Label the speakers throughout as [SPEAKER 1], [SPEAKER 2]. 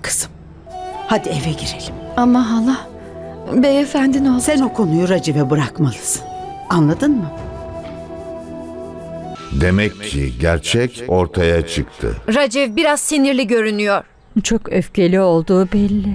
[SPEAKER 1] kızım. Hadi eve girelim.
[SPEAKER 2] Ama hala, beyefendi ne olacak?
[SPEAKER 1] Sen o konuyu Raciv'e bırakmalısın. Anladın mı?
[SPEAKER 3] Demek ki gerçek ortaya çıktı.
[SPEAKER 4] Raciv biraz sinirli görünüyor.
[SPEAKER 2] Çok öfkeli olduğu belli.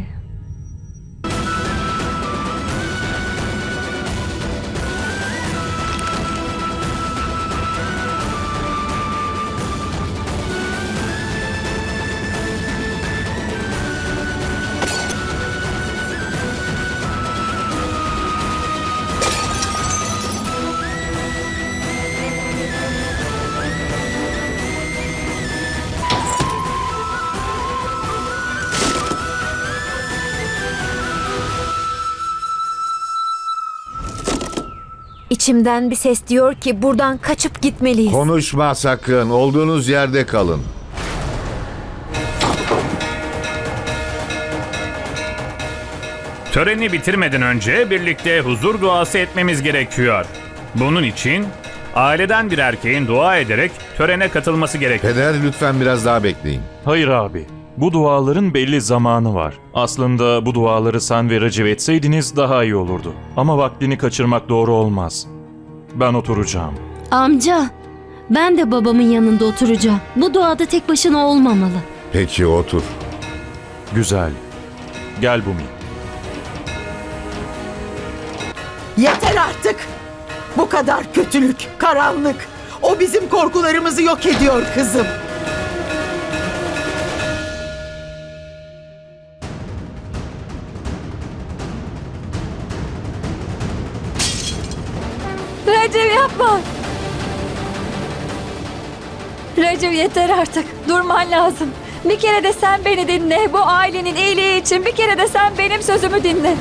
[SPEAKER 4] İçimden bir ses diyor ki buradan kaçıp gitmeliyiz.
[SPEAKER 3] Konuşma sakın. Olduğunuz yerde kalın.
[SPEAKER 5] Töreni bitirmeden önce birlikte huzur duası etmemiz gerekiyor. Bunun için aileden bir erkeğin dua ederek törene katılması gerekiyor.
[SPEAKER 3] Peder lütfen biraz daha bekleyin.
[SPEAKER 6] Hayır abi. Bu duaların belli zamanı var. Aslında bu duaları sen ve Raciv etseydiniz daha iyi olurdu. Ama vaktini kaçırmak doğru olmaz. Ben oturacağım.
[SPEAKER 7] Amca, ben de babamın yanında oturacağım. Bu duada tek başına olmamalı.
[SPEAKER 3] Peki otur.
[SPEAKER 6] Güzel. Gel Bumi.
[SPEAKER 1] Yeter artık. Bu kadar kötülük, karanlık. O bizim korkularımızı yok ediyor kızım.
[SPEAKER 2] Raciv yapma. Raciv yeter artık. Durman lazım. Bir kere de sen beni dinle. Bu ailenin iyiliği için bir kere de sen benim sözümü dinle.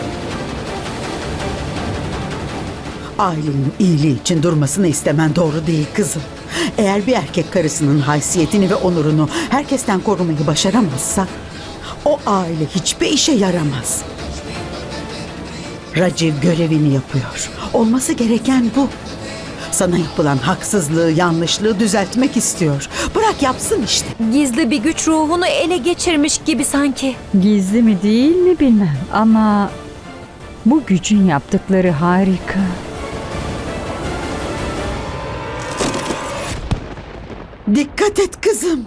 [SPEAKER 1] Ailenin iyiliği için durmasını istemen doğru değil kızım. Eğer bir erkek karısının haysiyetini ve onurunu herkesten korumayı başaramazsa o aile hiçbir işe yaramaz. Raciv görevini yapıyor. Olması gereken bu. Sana yapılan haksızlığı, yanlışlığı düzeltmek istiyor. Bırak yapsın işte.
[SPEAKER 4] Gizli bir güç ruhunu ele geçirmiş gibi sanki.
[SPEAKER 2] Gizli mi değil mi bilmem ama bu gücün yaptıkları harika.
[SPEAKER 1] Dikkat et kızım.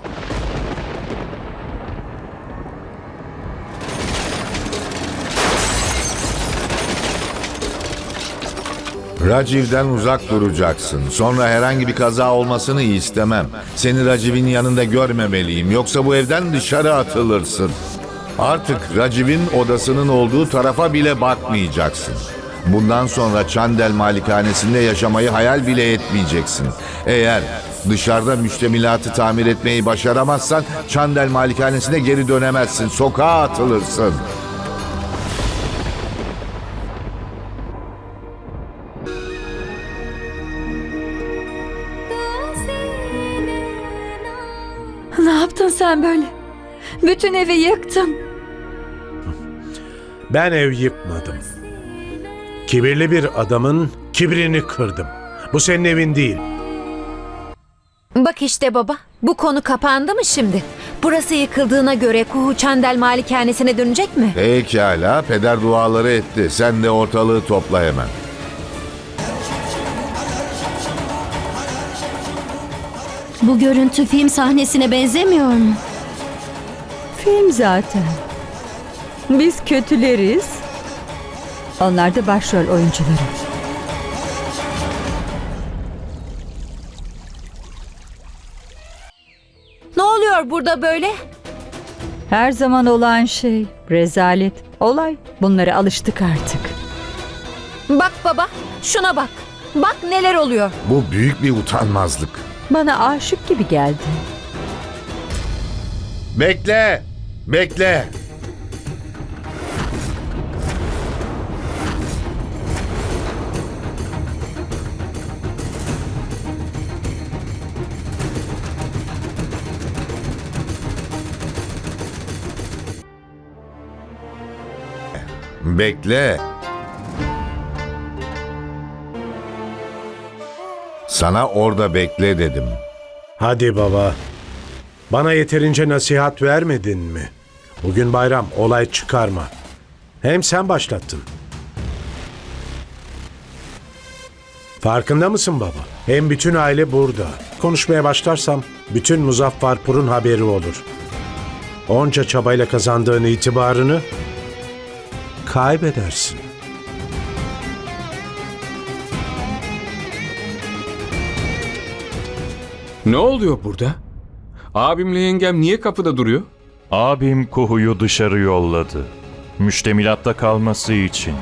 [SPEAKER 3] Raciv'den uzak duracaksın. Sonra herhangi bir kaza olmasını istemem. Seni Raciv'in yanında görmemeliyim. Yoksa bu evden dışarı atılırsın. Artık Raciv'in odasının olduğu tarafa bile bakmayacaksın. Bundan sonra Çandel malikanesinde yaşamayı hayal bile etmeyeceksin. Eğer dışarıda müştemilatı tamir etmeyi başaramazsan Çandel malikanesine geri dönemezsin. Sokağa atılırsın.
[SPEAKER 2] Ne yaptın sen böyle? Bütün evi yıktın.
[SPEAKER 8] Ben ev yıkmadım. Kibirli bir adamın kibrini kırdım. Bu senin evin değil.
[SPEAKER 4] Bak işte baba, bu konu kapandı mı şimdi? Burası yıkıldığına göre Kuhu Çandel malikanesine dönecek mi?
[SPEAKER 3] Pekala, peder duaları etti. Sen de ortalığı topla hemen.
[SPEAKER 7] Bu görüntü film sahnesine benzemiyor mu?
[SPEAKER 2] Film zaten. Biz kötüleriz. Onlar da başrol oyuncuları.
[SPEAKER 4] Ne oluyor burada böyle?
[SPEAKER 2] Her zaman olan şey, rezalet, olay. Bunlara alıştık artık.
[SPEAKER 4] Bak baba, şuna bak. Bak neler oluyor.
[SPEAKER 3] Bu büyük bir utanmazlık.
[SPEAKER 2] Bana aşık gibi geldi.
[SPEAKER 3] Bekle! Bekle! Bekle. Sana orada bekle dedim.
[SPEAKER 8] Hadi baba. Bana yeterince nasihat vermedin mi? Bugün bayram, olay çıkarma. Hem sen başlattın. Farkında mısın baba? Hem bütün aile burada. Konuşmaya başlarsam bütün Muzaffarpur'un haberi olur. Onca çabayla kazandığın itibarını kaybedersin.
[SPEAKER 9] Ne oluyor burada? Abimle yengem niye kapıda duruyor?
[SPEAKER 6] Abim Kuhu'yu dışarı yolladı. Müştemilatta kalması için.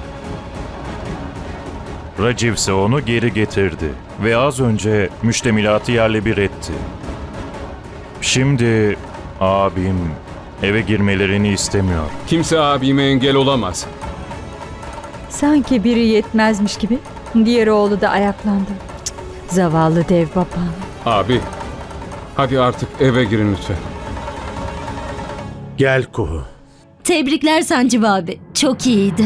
[SPEAKER 6] Raciv ise onu geri getirdi ve az önce müştemilatı yerle bir etti. Şimdi abim eve girmelerini istemiyor.
[SPEAKER 9] Kimse abime engel olamaz.
[SPEAKER 2] Sanki biri yetmezmiş gibi diğer oğlu da ayaklandı. Cık, zavallı dev babam.
[SPEAKER 9] Abi, hadi artık eve girin lütfen.
[SPEAKER 8] Gel Kuhu.
[SPEAKER 7] Tebrikler Sancı abi. Çok iyiydi.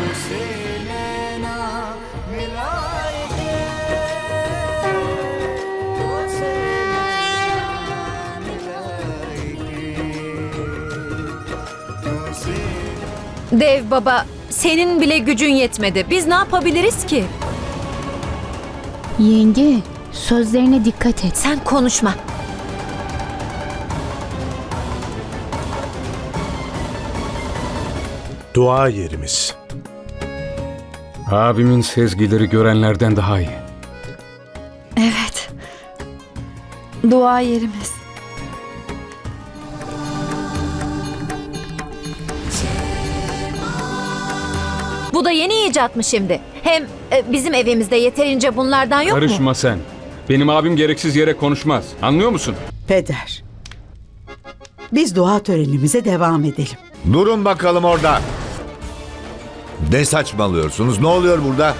[SPEAKER 4] Dev baba, senin bile gücün yetmedi. Biz ne yapabiliriz ki?
[SPEAKER 10] Yenge, sözlerine dikkat et.
[SPEAKER 4] Sen konuşma.
[SPEAKER 8] Dua yerimiz.
[SPEAKER 9] Abimin sezgileri görenlerden daha iyi.
[SPEAKER 2] Evet. Dua yerimiz.
[SPEAKER 4] Bu da yeni icat mı şimdi? Hem bizim evimizde yeterince bunlardan yok mu?
[SPEAKER 9] Karışma sen. Benim abim gereksiz yere konuşmaz. Anlıyor musun?
[SPEAKER 1] Peder, biz dua törenimize devam edelim.
[SPEAKER 3] Durun bakalım orada. Ne saçmalıyorsunuz? Ne oluyor burada?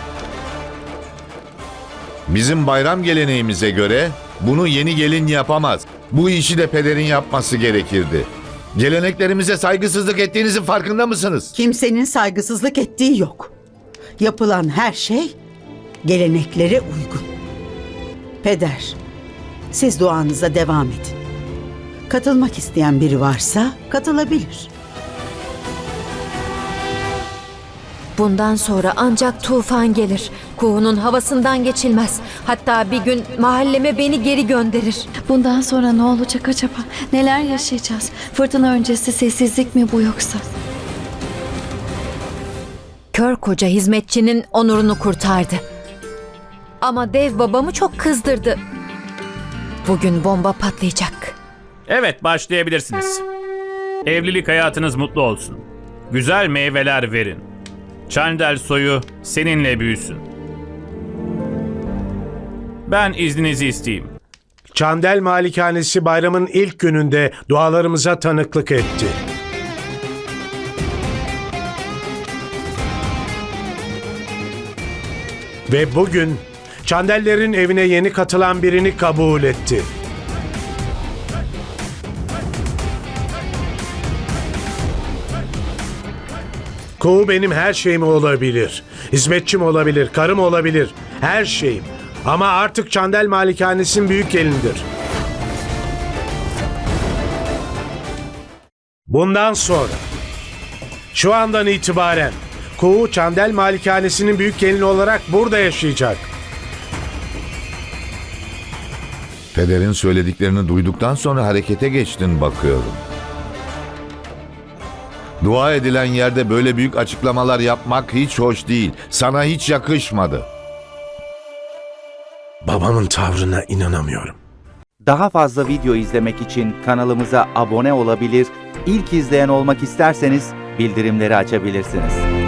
[SPEAKER 3] Bizim bayram geleneğimize göre bunu yeni gelin yapamaz. Bu işi de pederin yapması gerekirdi. Geleneklerimize saygısızlık ettiğinizin farkında mısınız?
[SPEAKER 1] Kimsenin saygısızlık ettiği yok. Yapılan her şey geleneklere uygun. Peder, siz duanıza devam edin. Katılmak isteyen biri varsa katılabilir.
[SPEAKER 4] Bundan sonra ancak tufan gelir. Kuğunun havasından geçilmez. Hatta bir gün mahalleme beni geri gönderir.
[SPEAKER 2] Bundan sonra ne olacak acaba? Neler yaşayacağız? Fırtına öncesi sessizlik mi bu yoksa?
[SPEAKER 4] Kör koca hizmetçinin onurunu kurtardı. Ama dev babamı çok kızdırdı. Bugün bomba patlayacak.
[SPEAKER 5] Evet, başlayabilirsiniz. Evlilik hayatınız mutlu olsun. Güzel meyveler verin. Çandel soyu seninle büyüsün. Ben izninizi isteyeyim.
[SPEAKER 8] Çandel Malikanesi bayramın ilk gününde dualarımıza tanıklık etti. Ve bugün Çandellerin evine yeni katılan birini kabul etti. Kuğu benim her şeyim olabilir. Hizmetçim olabilir, karım olabilir, her şeyim. Ama artık Çandel Malikanesi'nin büyük gelinidir. Bundan sonra, şu andan itibaren Kuğu Çandel Malikanesi'nin büyük gelini olarak burada yaşayacak.
[SPEAKER 3] Pederin söylediklerini duyduktan sonra harekete geçtin bakıyorum. Dua edilen yerde böyle büyük açıklamalar yapmak hiç hoş değil. Sana hiç yakışmadı.
[SPEAKER 8] Babamın tavrına inanamıyorum.
[SPEAKER 11] Daha fazla video izlemek için kanalımıza abone olabilir, ilk izleyen olmak isterseniz bildirimleri açabilirsiniz.